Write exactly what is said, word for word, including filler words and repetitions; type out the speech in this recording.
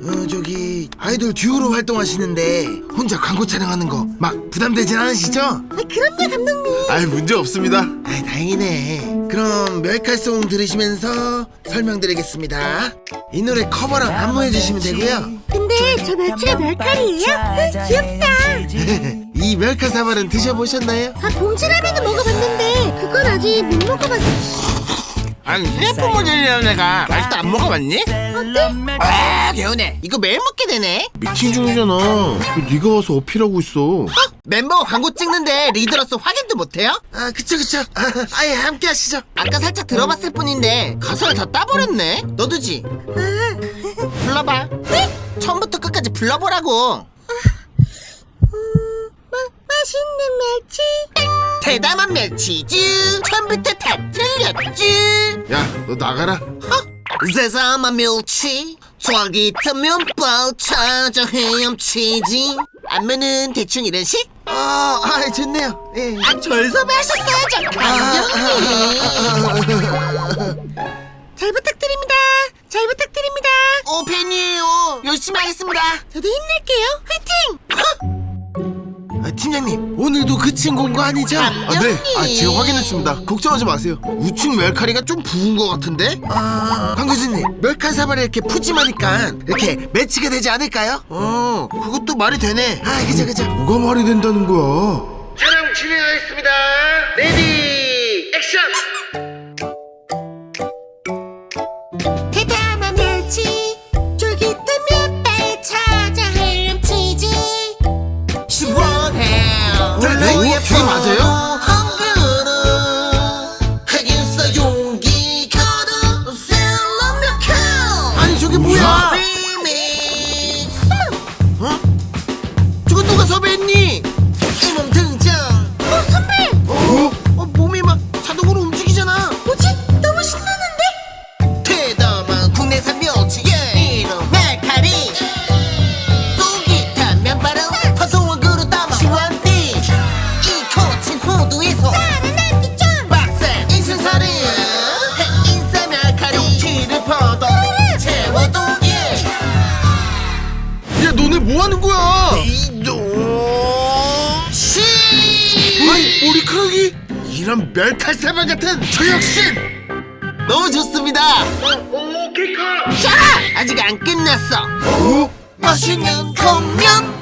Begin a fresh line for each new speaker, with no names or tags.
어, 저기 아이돌 듀오로 활동하시는데 혼자 광고 촬영하는 거 막 부담되진 않으시죠?
아, 그럼요 감독님.
아이 문제 없습니다.
아, 다행이네. 그럼 멜칼송 들으시면서 설명드리겠습니다. 이 노래 커버랑 안무해 주시면 되고요.
근데 저 멸치가 멸칼이에요? 아, 귀엽다.
이 멜칼 사발은 드셔보셨나요?
아, 봉지라면은 먹어봤는데 그건 아직 못 먹어봤어.
아니 휴대폰 모델이라는 애가 아직도 안 먹어봤니?
어때?
아 개운해. 이거 매일 먹게 되네.
미팅 중이잖아. 왜 네가 와서 어필하고 있어?
어? 멤버가 광고 찍는데 리더로서 확인도 못해요? 아 그쵸 그쵸. 아, 아예 함께 하시죠. 아까 살짝 들어봤을 뿐인데 가사를 다 따버렸네. 너도지? 불러봐. 네? 처음부터 끝까지 불러보라고.
마, 맛있는 멸치.
대담한 멸치즈 처음부터 다 틀렸지.
야, 너 나가라.
어? 세상한 멸치 쫄깃한 면발 찾아 헤엄치지. 안무는 대충 이런 식? 어, 아 좋네요. 예. 아 절섭하셨어야죠 감독님.
잘 부탁드립니다. 잘 부탁드립니다.
오 팬이에요. 열심히 하겠습니다.
저도 힘낼게요. 화이팅!
아, 팀장님 오늘도 그친 공고 아니죠?
아, 네. 아, 제가 확인했습니다. 걱정하지 마세요.
우측 멜카리가 좀 부은 것 같은데? 아, 광교수님 멜칼 사발이 이렇게 푸짐하니까 이렇게 매치가 되지 않을까요? 어, 그것도 말이 되네. 아, 그죠 그죠.
뭐가 말이 된다는 거야?
촬영 진행하겠습니다. 레디 액션.
대담한 멸치 쫄깃한 면발 찾아 헤엄치지.
시원해.
네? 어? 저게 맞아요?
한 그릇 하겠어 용기 가득 셀럽 아니 저게 뭐야? 리믹스. 어? 저거 누가 섭외했니? 이몸 등장.
어 선배.
어? 어? 몸이 막 자동으로 움직이잖아.
뭐지? 너무 신나는데?
대담한 국내산 멸치 이름 멜카리. 쫄깃한 면발은 화성원 그릇 담아 시원띠. 이 거친 호두에서
나는 날기점.
빡센 인생살이 인사 멜카리 용기를 퍼도 채워두기.
야, 너네 뭐 하는 거야?
이동 시.
아이, 머리카락이.
이런 멸칼사발 같은 저 역신 너무 좋습니다. 오 케이카. 자 아직 안 끝났어.
어?
맛있는 컵면